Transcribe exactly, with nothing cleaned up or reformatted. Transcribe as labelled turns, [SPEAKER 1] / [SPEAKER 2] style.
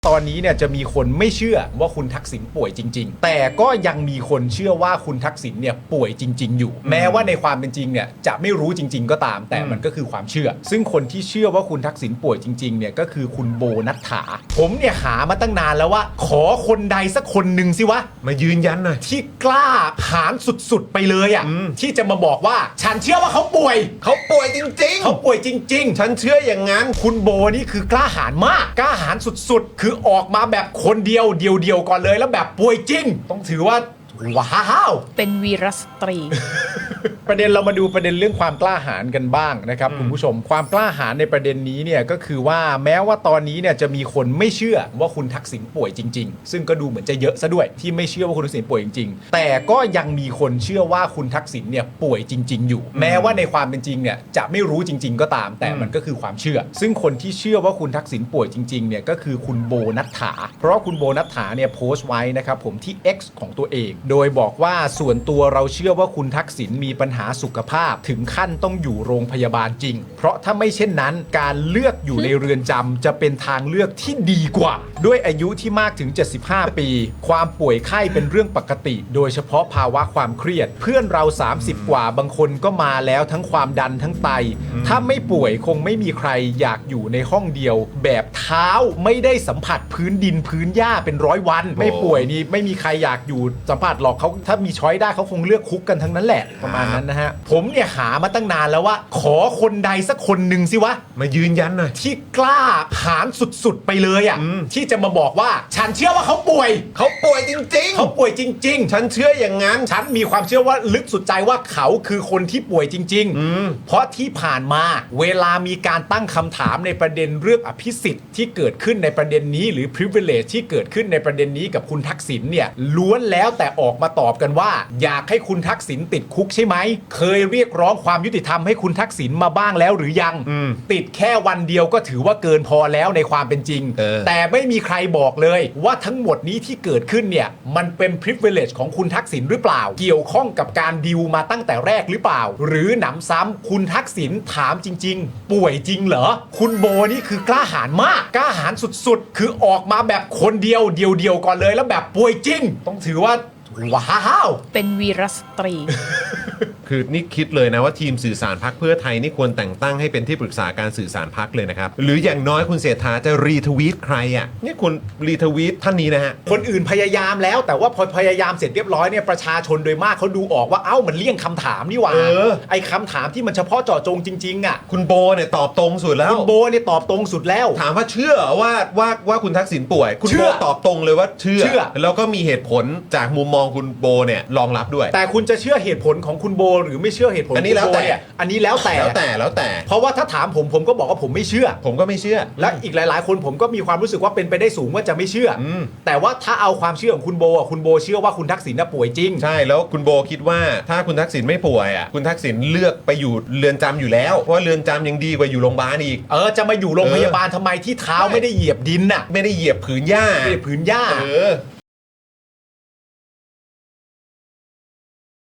[SPEAKER 1] ตอนนี้เนี่ยจะมีคนไม่เชื่อว่าคุณทักษิณป่วยจริงๆแต่ก็ยังมีคนเชื่อว่าคุณทักษิณเนี่ยป่วยจริงๆอยู่แม้ว่าในความเป็นจริงเนี่ยจะไม่รู้จริงๆก็ตามแต่มันก็คือความเชื่อซึ่งคนที่เชื่อว่าคุณทักษิณป่วยจริงๆเนี่ยก็คือคุณโบนัฐฐาผมเนี่ยหามาตั้งนานแล้วว่าขอคนใดสักคนหนึ่งสิวะ
[SPEAKER 2] มายืนยันหน่อย
[SPEAKER 1] ที่กล้าหาญสุดๆไปเลยอ่ะที่จะมาบอกว่าฉันเชื่อว่าเขาป่วย
[SPEAKER 2] เขาป่วยจริงๆ
[SPEAKER 1] เขาป่วยจริงๆ
[SPEAKER 2] ฉันเชื่ออย่างนั้น
[SPEAKER 1] คุณโบนี่คือกล้าหาญมากกล้าหาญสุดๆคือออกมาแบบคนเดียวเดียวๆก่อนเลยแล้วแบบป่วยจริงต้องถือว่าว้าว
[SPEAKER 3] เป็นวีรสตรี
[SPEAKER 1] ประเด็นเรามาดูประเด็นเรื่องความกล้าหาญกันบ้างนะครับคุณผู้ชมความกล้าหาญในประเด็นนี้เนี่ยก็คือว่าแม้ว่าตอนนี้เนี่ยจะมีคนไม่เชื่อว่าคุณทักษิณป่วยจริงๆซึ่งก็ดูเหมือนจะเยอะซะด้วยที่ไม่เชื่อว่าคุณทักษิณป่วยจริงๆแต่ก็ยังมีคนเชื่อว่าคุณทักษิณเนี่ยป่วยจริงๆอยู่แม้ว่าในความเป็นจริงเนี่ยจะไม่รู้จริงๆก็ตามแต่มันก็คือความเชื่อซึ่งคนที่เชื่อว่าคุณทักษิณป่วยจริงๆเนี่ยก็คือคุณโบนัฐฐาเพราะคุณโบนัฐฐาเนี่ยโพสต์ไว้นะครับผมที่ X ของตัวเองโดยบอกว่าส่วนตัวเราเชื่อว่าคุณทักษิณมีปัญหาสุขภาพถึงขั้นต้องอยู่โรงพยาบาลจริงเพราะถ้าไม่เช่นนั้นการเลือกอยู่ในเรือนจำจะเป็นทางเลือกที่ดีกว่าด้วยอายุที่มากถึงเจ็ดสิบห้าปีความป่วยไข้เป็นเรื่องปกติโดยเฉพาะภาวะความเครียดเพื่อนเราสามสิบกว่าบางคนก็มาแล้วทั้งความดันทั้งไตถ้าไม่ป่วยคงไม่มีใครอยากอยู่ในห้องเดียวแบบเท้าไม่ได้สัมผัสพื้นดินพื้นหญ้าเป็นร้อยวันไม่ป่วยนี่ไม่มีใครอยากอยู่สัมผัสหรอกเขาถ้ามีช้อยได้เขาคงเลือกคุกกันทั้งนั้นแหละประมาณนั้นนะฮะผมเนี่ยหามาตั้งนานแล้วว่าขอคนใดสักคนหนึ่งสิวะ
[SPEAKER 2] มายืนยันหน่อย
[SPEAKER 1] ที่กล้าหาญสุดๆไปเลยอ่ะที่จะมาบอกว่าฉันเชื่อว่าเขาป่วย
[SPEAKER 2] เขาป่วยจริงๆ
[SPEAKER 1] เขาป่วยจริงๆ
[SPEAKER 2] ฉันเชื่ออย่างนั้น
[SPEAKER 1] ฉันมีความเชื่อว่าลึกสุดใจว่าเขาคือคนที่ป่วยจริงๆเพราะที่ผ่านมาเวลามีการตั้งคำถามในประเด็นเรื่องอภิสิทธิ์ที่เกิดขึ้นในประเด็นนี้หรือ privilege ที่เกิดขึ้นในประเด็นนี้กับคุณทักษิณเนี่ยล้วนแล้วแต่ออกมาตอบกันว่าอยากให้คุณทักษิณติดคุกใช่ไหมเคยเรียกร้องความยุติธรรมให้คุณทักษิณมาบ้างแล้วหรือยังติดแค่วันเดียวก็ถือว่าเกินพอแล้วในความเป็นจริงแต่ไม่มีใครบอกเลยว่าทั้งหมดนี้ที่เกิดขึ้นเนี่ยมันเป็น privilege ของคุณทักษิณหรือเปล่าเกี่ยวข้องกับการดีลมาตั้งแต่แรกหรือเปล่าหรือหนำซ้ำคุณทักษิณถามจริงๆป่วยจริงเหรอคุณโบนี่คือกล้าหาญมากกล้าหาญสุดๆคือออกมาแบบคนเดียวเดียวๆก่อนเลยแล้วแบบป่วยจริงต้องถือว่าว้าว
[SPEAKER 3] เป็นวีรสตรี
[SPEAKER 2] คือนี่คิดเลยนะว่าทีมสื่อสารพรรคเพื่อไทยนี่ควรแต่งตั้งให้เป็นที่ปรึกษาการสื่อสารพรรคเลยนะครับหรืออย่างน้อยคุณเศรษฐาจะรีทวีตใครอ่ะนี่คุณรีทวีตท่านนี้นะฮะ
[SPEAKER 1] คนอื่นพยายามแล้วแต่ว่าพอพยายามเสร็จเรียบร้อยเนี่ยประชาชนโดยมากเขาดูออกว่าเอ้ามันเลี่ยงคำถามนี่หว่าไอ้คำถามที่มันเฉพาะเจาะจงจริงๆอ่ะ
[SPEAKER 2] คุณโบเนี่ยตอบตรงสุดแล้ว
[SPEAKER 1] คุณโบเนี่ยตอบตรงสุดแล้ว
[SPEAKER 2] ถามว่าเชื่อว่าว่าว่าคุณทักษิณป่วยคุณโบตอบตรงเลยว่าเชื่อแล้วก็มีเหตุผลจากมุมมองคุณโบเนี่ยรองรับด้วย
[SPEAKER 1] แต่คุณจะเชื่อเหตุผลของคุณโบหรือไม่เชื่อเหตุผล
[SPEAKER 2] อันนี้แล้วแต่
[SPEAKER 1] อันนี้แล้วแต่
[SPEAKER 2] แล้วแต่แล้วแต่
[SPEAKER 1] เพราะว่าถ้าถามผมผมก็บอกว่าผมไม่เชื่อ
[SPEAKER 2] ผมก็ไม่เชื่อ
[SPEAKER 1] และอีกหลายๆคนผมก็มีความรู้สึกว่าเป็นไปได้สูงว่าจะไม่เชื่อแต่ว่าถ้าเอาความเชื่อของคุณโบอ่ะคุณโบเชื่อว่าคุณทักษิณน่ะป่วยจริง
[SPEAKER 2] ใช่แล้วคุณโบคิดว่าถ้าคุณทักษิณไม่ป่วยอ่ะคุณทักษิณเลือกไปอยู่เรือนจำอยู่แล้วเพราะว่าเรือนจำยังดีกว่าอยู่โรงพยาบาลอีก
[SPEAKER 1] เออจะมาอยู่โรงพยาบาลทำไมที่เท้าไม่ได้เหยียบดินน่ะ
[SPEAKER 2] ไม่ได้เหยียบผืนหญ้า
[SPEAKER 1] ไม่ได้ผืนหญ้า
[SPEAKER 2] เออ